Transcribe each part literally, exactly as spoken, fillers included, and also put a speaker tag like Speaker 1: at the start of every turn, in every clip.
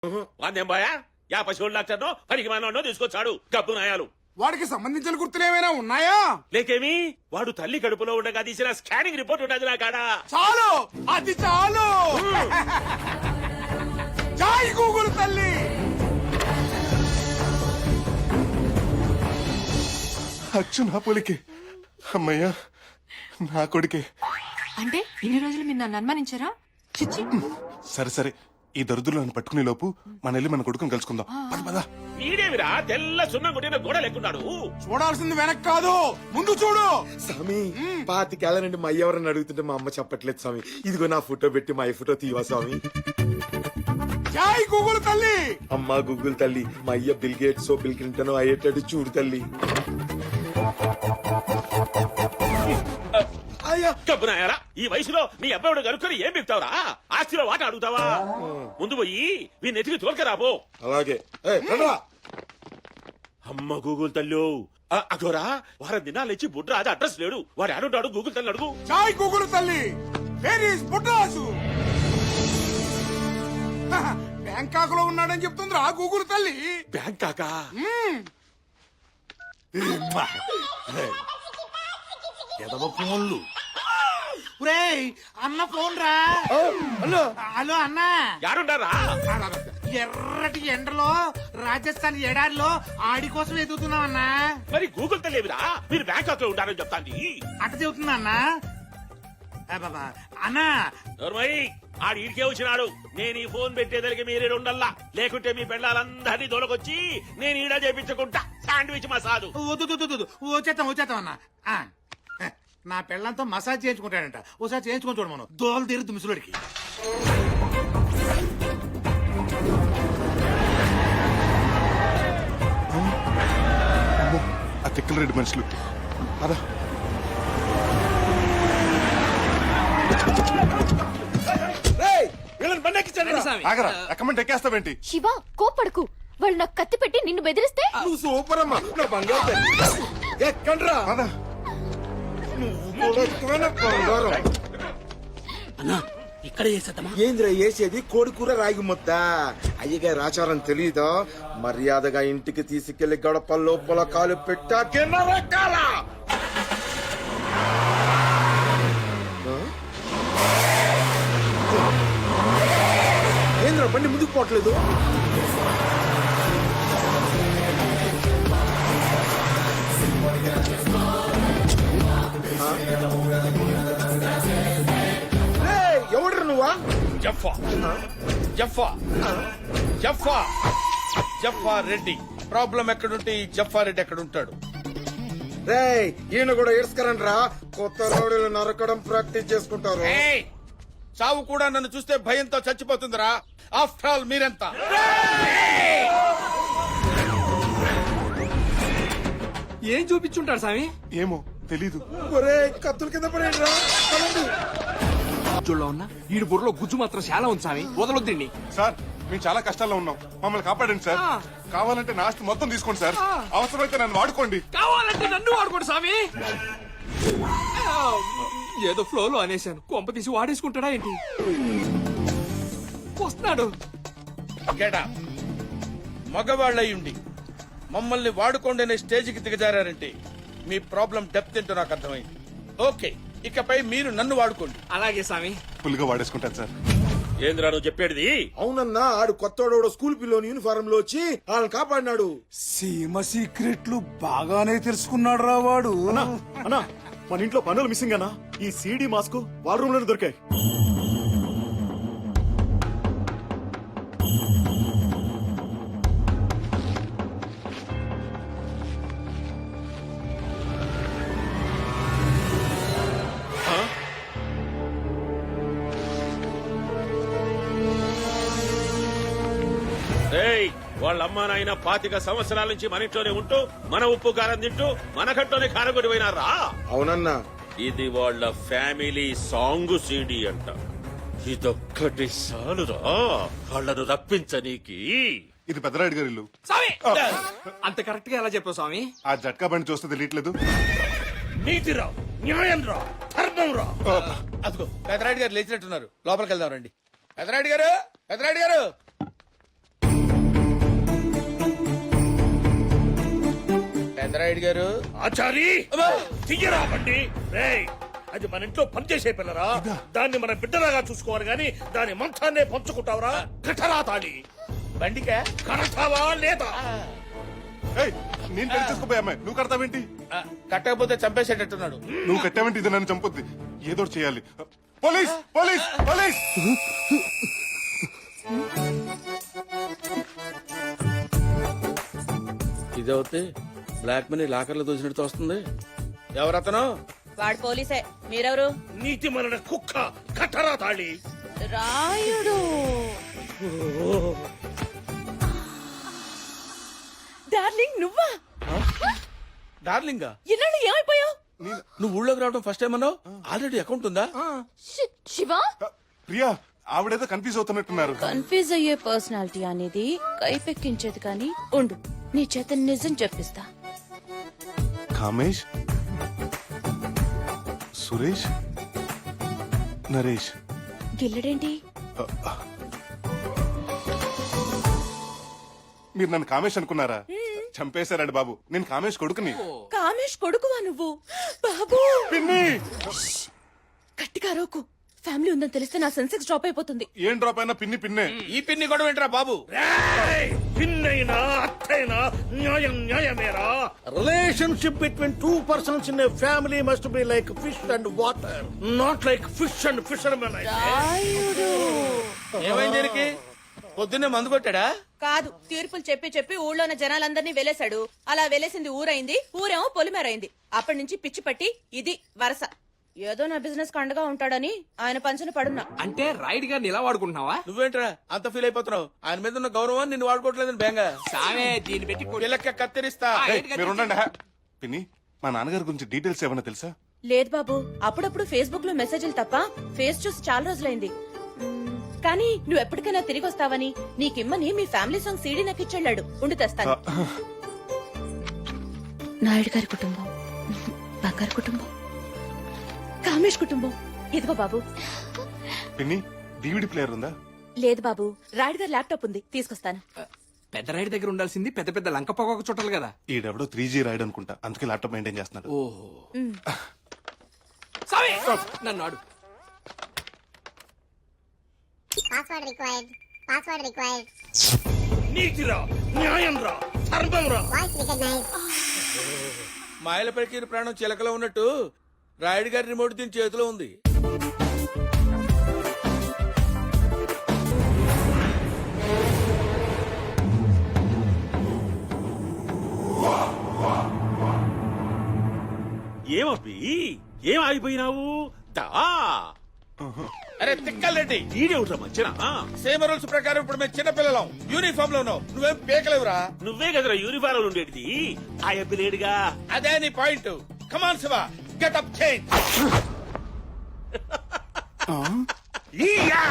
Speaker 1: వాందేం బాయా yeah పశువుల doctor పనికి మానో తీసుకొచ్చాడు గబ్బు నాయాలు.
Speaker 2: వాడికి సంబంధించిన గుర్తులు ఏమైనా ఉన్నాయా?
Speaker 1: లేకేమి వాడు తల్లి కడుపులో ఉండగా తీసిన స్కానింగ్ రిపోర్ట్ ఉన్నది నా కాడ.
Speaker 2: చాలు, అది చాలు. జై గూగుల్ తల్లి.
Speaker 3: అచ్చు నా పోలికే. అమ్మయ్యా నా కొడుకే.
Speaker 4: అంటే ఇన్ని రోజులు మీరు నన్ను అనుమానించారా? చిచ్చి.
Speaker 3: సరే సరే, ఈ దరిద్రులను పట్టుకునే లోపు మన వెళ్ళి మన కొడుకుని కలుసుకుందాం. పద పద.
Speaker 1: వీడేమిరా తెల్ల సున్నం కొట్టిన గోడ లేకున్నాడు.
Speaker 2: చూడాల్సింది వెనక్ కాదు, ముందు చూడు.
Speaker 5: స్వామి పాతికేళ్ల నుండి మా అయ్య ఎవరని అడుగుతుంటే మా అమ్మ చెప్పట్లేదు స్వామి. ఇదిగో నా ఫోటో పెట్టి మా అయ్య ఫోటో తీవా స్వామి.
Speaker 2: జై గూగుల్ తల్లి.
Speaker 5: అమ్మా గూగుల్ తల్లి, మా అయ్య బిల్ గేట్స్ బిల్ క్లింటన్ అయ్యేటట్టు చూడు తల్లి.
Speaker 1: గబ్బు నాయాలా, ఈ వయసులో నీ అబ్బాయిడు కనుక్కొని ఏం చెప్తావురా? ఆస్తిలో వాట అడుగుతావా? ముందు పోయి వీ నెతికి తోలుకరాబో.
Speaker 5: అలాగే.
Speaker 1: అమ్మ గూగుల్ తల్లు అగోరా, వారం దినాలు ఇచ్చి బుడ్రాజు అడ్రస్ లేడు. వాడు ఆడుంటాడు గూగుల్ తల్లి అడుగు.
Speaker 2: జై గూగుల్ తల్లి. Where is బుడ్రాజు? బ్యాంకాక్ లో ఉన్నాడని చెప్తుందిరా గూగుల్ తల్లి.
Speaker 1: బ్యాంకాకా?
Speaker 2: ఎదవ ఫోన్లు. అన్న ఫోన్ రా.
Speaker 5: హలో
Speaker 2: హలో అన్న.
Speaker 1: యారుండారా?
Speaker 2: ఎర్రటి ఎండలో రాజస్థాన్ ఎడారిలో ఆడి కోసం ఎదుగుతున్నాం అన్నా.
Speaker 1: మరి గూగుల్ తల్లి ఏమిరా? మీరు బ్యాంకాక్ లో ఉంటారని చెప్తాంది.
Speaker 2: అట్ట చెబుతున్నా అన్నా. బాబా అన్నా,
Speaker 1: నోర్మయ్, ఆడు ఈడికే వచ్చినాడు. నేను ఈ ఫోన్ పెట్టేదలికి మీరే ఉండల్లా, లేకుంటే మీ పెళ్ళాలందరినీ దొరకొచ్చి నేను ఈడ చేపించుకుంటా శాండ్విచ్ మసాదు.
Speaker 2: వద్దు వద్దు, వద్దు, వచ్చేస్తాం వచ్చేస్తాం అన్నా. ఆ, నా పెళ్ళంతో మసాజ్ చేయించుకుంటాడంట. ఒకసారి చేయించుకొని చూడు మనం. దోలు తీరుద్దు ముసలుడికి.
Speaker 3: ఆ తిక్కల రెడ్డి మనుషులు. పద. ఆగరా, ఎక్కమంటే ఎక్కేస్తావేంటి?
Speaker 6: శివ, కోపడకు. వాళ్ళు నాకు కత్తి పెట్టి నిన్ను బెదిరిస్తే
Speaker 5: నువ్వు సూపర్ అమ్మా, నా బంగారు తల్లి. ఎక్కండ్రా.
Speaker 3: పద.
Speaker 5: నువ్వు కూడా ఎక్కువ నా బంగారం.
Speaker 2: ఇక్కడ చేసేద్దామా?
Speaker 5: ఏంద్రా వేసేది? కోడి కూర రాగి ముద్ద. అయ్యగారి ఆచారం తెలీదా? మర్యాదగా ఇంటికి తీసుకెళ్లి గడప లోపల కాలు పెట్టాకే నరకాల. ఏంద్రా బండి ముందుకు పోవట్లేదు? ఎవడ్రా నువ్వా?
Speaker 7: జఫా జఫా జఫా జఫా రెడ్డి. ప్రాబ్లం ఎక్కడుంటే ఈ జఫా రెడ్డి ఎక్కడ ఉంటాడు?
Speaker 5: రేయ్ ఈయన కూడా ఏడ్స్కరండి రా. కొత్త రోడ్లు నరకడం ప్రాక్టీస్ చేసుకుంటారు.
Speaker 7: ఏయ్, చావు కూడా నన్ను చూస్తే భయంతో చచ్చిపోతుందిరా. ఆఫ్టర్ ఆల్ మీరెంత?
Speaker 8: ఏం చూపించుంటాడు స్వామి?
Speaker 3: ఏమో తెలీదు.
Speaker 5: ఒరే కత్తుల కింద పడేయండి రా.
Speaker 8: చూడలో ఉన్నా ఈడు బుర్రలో గుజ్జు మాత్రం చాలా ఉంది స్వామి. వదలొద్దండి
Speaker 3: సార్, మేము చాలా కష్టాల్లో ఉన్నాం, మమ్మల్ని కాపాడండి సార్. కావాలంటే నా ఆస్తి మొత్తం తీసుకోండి సార్. అవసరమైతే నన్ను వాడుకోండి.
Speaker 8: కావాలంటే నన్ను వాడుకోండి స్వామి. ఏదో ఫ్లోలో అనేశాను, కొంప తీసి వాడేసుకుంటాడా ఏంటి? వస్తున్నాడు.
Speaker 7: గెడా మగవాళ్ళయ్యుండి మమ్మల్ని వాడుకోండి అనే స్టేజ్కి దిగజారంటే మీ ప్రాబ్లం డెప్త్ ఏంటో నాకు అర్థమైంది. ఓకే, ఇకపై మీరు నన్ను వాడుకోండి.
Speaker 8: అలాగే స్వామి.
Speaker 3: ఫుల్గా వాడేసుకుంటాను సార్.
Speaker 1: ఏంద్రా నువ్వు చెప్పేది?
Speaker 5: అవునన్నా, ఆడు కొత్తోడు స్కూల్ పిల్లోని యూనిఫారం లో వచ్చి వాళ్ళని కాపాడినాడు.
Speaker 2: సీమ సీక్రెట్లు బాగానే తెలుసుకున్నాడు రా వాడు.
Speaker 9: అన్నా, మన ఇంట్లో పనులు మిస్సింగ్ అన్నా. ఈ సీడీ మాస్క్ వాళ్ళ రూమ్ లోనే దొరికాయి.
Speaker 1: వాళ్ళ అమ్మా నాయన పాతిక సంవత్సరాల నుంచి మన ఇంట్లోనే ఉంటూ మన ఉప్పు కారం తింటూ మన కట్లోనే కారం కొట్టి పోయినారా?
Speaker 5: అవునన్నా.
Speaker 1: ఇది వాళ్ళ ఫ్యామిలీ సాంగ్ సీడీ అంట. ఇదొక్కటి సాలురా వాళ్ళను రప్పించనీకి.
Speaker 3: ఇది పెద్దరాయుడు గారి ఇల్లు.
Speaker 8: స్వామి అంత కరెక్ట్ గా ఎలా చెప్పావు స్వామి?
Speaker 3: ఆ జట్కా బండి చూస్తే తెలియట్లేదు.
Speaker 7: నీతిరా, న్యాయం రా, ధర్మం రా. అదిగో, పెదరాయుడు గారు లేచినట్టున్నారు. లోపలికి వెళ్దాం రండి. పెదరాయుడు గారు, పెదరాయుడు గారు. రాయుడు గారు.
Speaker 10: ఆచారి తీయరా బండి రేయ్ అది మన ఇంట్లో పనిచేసే పిల్లరా దాన్ని మన బిడ్డలాగా చూసుకోవాలి గాని దాని మంచాన్నే పంచుకుంటావురా కఠరా తాళి
Speaker 7: బండికా
Speaker 10: కడతావా లేదా
Speaker 3: ఏయ్, నేను పెళ్లి చేసుకోపోయా అమ్మాయి నువ్వు కడతావేంటి
Speaker 7: ఆ, కట్టకపోతే చంపేసేటట్టున్నాడు.
Speaker 3: నువ్వు కట్టావేంటి ఇది నన్ను చంపొద్ది ఏదో ఒకటి చేయాలి పోలీస్ పోలీస్ పోలీస్
Speaker 7: ఇదవుతే బ్లాక్ మనీ లాకర్లో దోచినట్టు వస్తుంది. ఎవరతను?
Speaker 11: వాడు పోలీసే. మీరెవరు?
Speaker 10: నీతి మన కుక్క కఠరా తాళి
Speaker 11: రాయుడు. డార్లింగ్ నువ్వా?
Speaker 7: డార్లింగా
Speaker 11: ఇన్నాళ్ళు ఏమైపోయావు?
Speaker 7: నువ్వు ఊళ్ళోకి రావడం ఫస్ట్ టైం అన్నావు. ఆల్రెడీ అకౌంట్ ఉందా?
Speaker 6: శి- శివ
Speaker 3: ప్రియా ఆవిడేదో కన్ఫ్యూజ్ అవుతున్నట్టున్నారు
Speaker 11: కన్ఫ్యూజ్ అయ్యే పర్సనాలిటీ అనేది కైపెక్కించేది కానీ ఉండు నీ చేత నిజం చెప్పిస్తా.
Speaker 3: కామేష్ సురేష్ నరేష్
Speaker 11: గిల్లడేంటి?
Speaker 3: మీరు నన్ను కామేష్ అనుకున్నారా చంపేశారండి బాబు నేను కామేష్ కొడుకుని
Speaker 11: కామేష్ కొడుకువా నువ్వు? బాబు
Speaker 3: పిన్ని
Speaker 11: గట్టిగా రోకు. ఫ్యామిలీ ఉందని తెలిస్తే నా సెన్సెక్స్ డ్రాప్ అయిపోతుంది.
Speaker 3: ఏం డ్రాప్ అయినా పిన్ని పిన్నే
Speaker 7: ఈ పిన్ని గొడవ ఏంట్రా బాబు?
Speaker 10: రేయ్! పిన్నైనా అత్తైనా న్యాయం న్యాయమేరా relationship between two persons in family must be like fish and water not like fish and fishermen
Speaker 11: Rayudu
Speaker 7: ఏమైంది దీనికి? పొద్దున్నే మందు కొట్టాడా?
Speaker 11: కాదు, తీర్పులు చెప్పి చెప్పి ఊళ్ళోన జనాలందరినీ వెలేశాడు. అలా వెలేసింది ఊరైంది, ఊరేమో పొలిమేరైంది. అప్పటి నుంచి పిచ్చి పట్టి ఇది వరస. ఏదో నా బిజినెస్ కండగా ఉంటాడని ఆయన పంచన పడున్నా.
Speaker 8: అంటే రైడ్ గారిని ఇలా వాడుకుంటున్నావా?
Speaker 7: నువ్వేంట్రా అంత ఫీల్ అయిపోతున్నావు? ఆయన మీద ఉన్న గౌరవం నిన్ను వాడుకోవట్లేదని బేంగా.
Speaker 8: సామే దీన్ని పెట్టి కొ-
Speaker 7: పిల్లక్క కత్తిరిస్తా.
Speaker 3: ఏయ్, మీరు ఉండండి హా. పిన్ని మా నాన్నగారి గురించి డీటెయిల్స్ ఏమన్నా తెలుసా
Speaker 11: లేదు బాబు, అప్పుడప్పుడు ఫేస్బుక్ లో మెసేజ్లు తప్ప ఫేస్ చూసి చాలా రోజులైంది. మ్మ్, కానీ నువ్వు ఎప్పటికైనా తిరిగి వస్తావని నీకిమ్మని మీ ఫ్యామిలీ సాంగ్ సీడీ నాకు ఇచ్చెళ్ళాడు. ఉండి తెస్తాను. నాయుడు గారి కుటుంబం, బంగారు కుటుంబం, కామేష్ కుటుంబం. ఇదిగో బాబు.
Speaker 3: పిన్ని డివిడి ప్లేయర్ ఉందా
Speaker 11: లేదు బాబు, రాయుడు గారి ల్యాప్టాప్ ఉంది, తీసుకొస్తాను.
Speaker 8: పెద్ద రైడ్ దగ్గర ఉండాల్సింది పెద్ద పెద్ద లంక పొగ చుట్టాలి కదా.
Speaker 3: ఈడెవడో త్రీ జీ రైడ్ అనుకుంటా అందుకే ల్యాప్టాప్ మెయింటైన్ చేస్తున్నాడు
Speaker 8: ఓహో సామే నన్ను ఆడు.
Speaker 12: Password required. Password required.
Speaker 10: నీతిరా న్యాయం రా ధర్మం రా
Speaker 12: Voice recognized.
Speaker 7: మాయల పలికిన ప్రాణం చిలకలో ఉన్నట్టు రాయుడు గారి రిమోట్ దీని చేతిలో ఉంది.
Speaker 1: ఏమబ్బి ఏం ఆగిపోయినావు దా
Speaker 7: అరే తిక్కలరెడ్డి,
Speaker 1: ఈడేవుట్రా మంచిన
Speaker 7: సేమ్ రూల్స్ ప్రకారం ఇప్పుడు మేము చిన్న పిల్లలం. యూనిఫామ్ లో ఉన్నావు, నువ్వేం పేకలేవురా.
Speaker 1: నువ్వే కదరా యూనిఫారం ఉండేది ఆ అబ్బి లేడుగా.
Speaker 7: అదే నీ point. Come on Siva, get up change.
Speaker 1: ఈయా!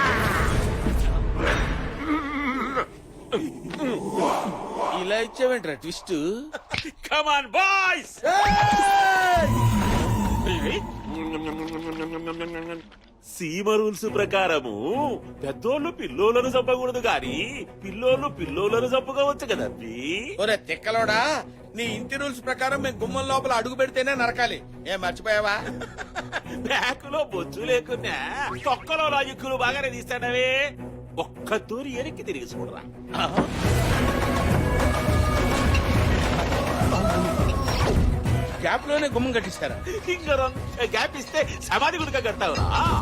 Speaker 7: ఇలా ఇచ్చావేంట్రా twist?
Speaker 1: Come on boys. Seema rules ప్రకారము పెద్దోళ్ళు పిల్లోలను చంపకూడదు గాని పిల్లోళ్ళు పిల్లోలను చంపుకోవచ్చు కదబ్బి.
Speaker 7: ఒరే తిక్కలోడా, నీ ఇంటి రూల్స్ ప్రకారం మేము గుమ్మం లోపల అడుగు పెడితేనే నరకాలి. ఏం మర్చిపోయావా?
Speaker 1: బ్యాకులో బొచ్చు లేకున్నా తొక్కలో లాజిక్కులు బాగానే తీస్తాడవే. ఒక్క తూరి ఎనికి తిరిగి చూడరా.
Speaker 7: గ్యాప్ లోనే గుమ్మం కట్టిస్తారా?
Speaker 1: ఇంకా గ్యాప్ ఇస్తే సమాధి గుడిక కడతావురా.